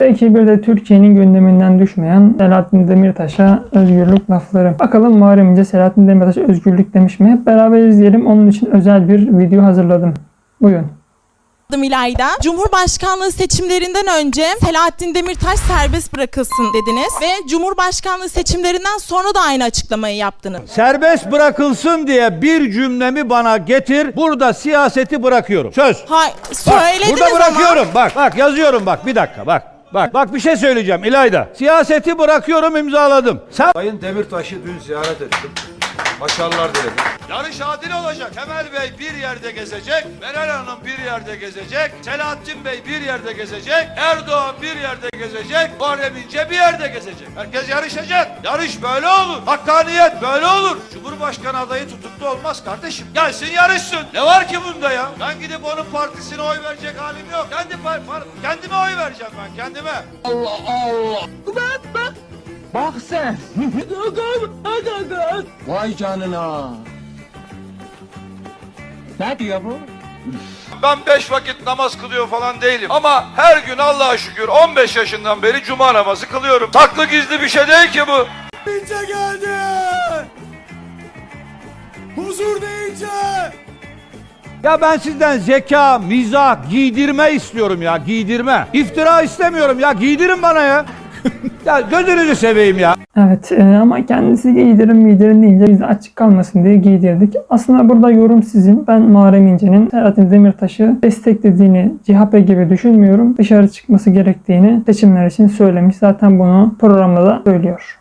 Belki bir de Türkiye'nin gündeminden düşmeyen Selahattin Demirtaş'a özgürlük lafları. Bakalım Muharrem İnce Selahattin Demirtaş özgürlük demiş mi? Hep beraber izleyelim. Onun için özel bir video hazırladım. Buyurun. İlayda. Cumhurbaşkanlığı seçimlerinden önce Selahattin Demirtaş serbest bırakılsın dediniz ve Cumhurbaşkanlığı seçimlerinden sonra da aynı açıklamayı yaptınız. Serbest bırakılsın diye bir cümlemi bana getir. Burada siyaseti bırakıyorum. Söz. Hayır, Bak, söylediniz burada bırakıyorum. ama. Bak yazıyorum bak bir dakika bak. Bak bir şey söyleyeceğim İlayda. Siyaseti bırakıyorum, imzaladım. Sen Sayın Demirtaş'ı dün ziyaret ettim. Başarılar dilerim. Yarış adil olacak. Kemal Bey bir yerde gezecek, Meral Hanım bir yerde gezecek, Selahattin Bey bir yerde gezecek, Erdoğan bir yerde gezecek, Muharrem İnce bir yerde gezecek. Herkes yarışacak. Yarış böyle olur. Hakkaniyet böyle olur. Cumhurbaşkanı adayı tutuklu olmaz kardeşim. Gelsin yarışsın. Ne var ki bunda ya? Ben gidip onun partisine oy verecek halim yok. Kendime oy vereceğim ben kendime. Bak sen. Vay canına. Ne diyor bu? Ben 5 vakit namaz kılıyor falan değilim. Ama her gün Allah'a şükür 15 yaşından beri cuma namazı kılıyorum. Saklı gizli bir şey değil ki bu. İnce geldi. Huzur deyince. ya ben sizden zeka, mizah, giydirme istiyorum ya, giydirme. İftira istemiyorum ya, giydirin bana ya. Ya gözünüzü seveyim ya. Evet ama kendisi giydirin deyince biz de açık kalmasın diye giydirdik. Aslında burada yorum sizin. Ben Muharrem İnce'nin Selahattin Demirtaş'ı desteklediğini CHP gibi düşünmüyorum. Dışarı çıkması gerektiğini seçimler için söylemiş. Zaten bunu programda da söylüyor.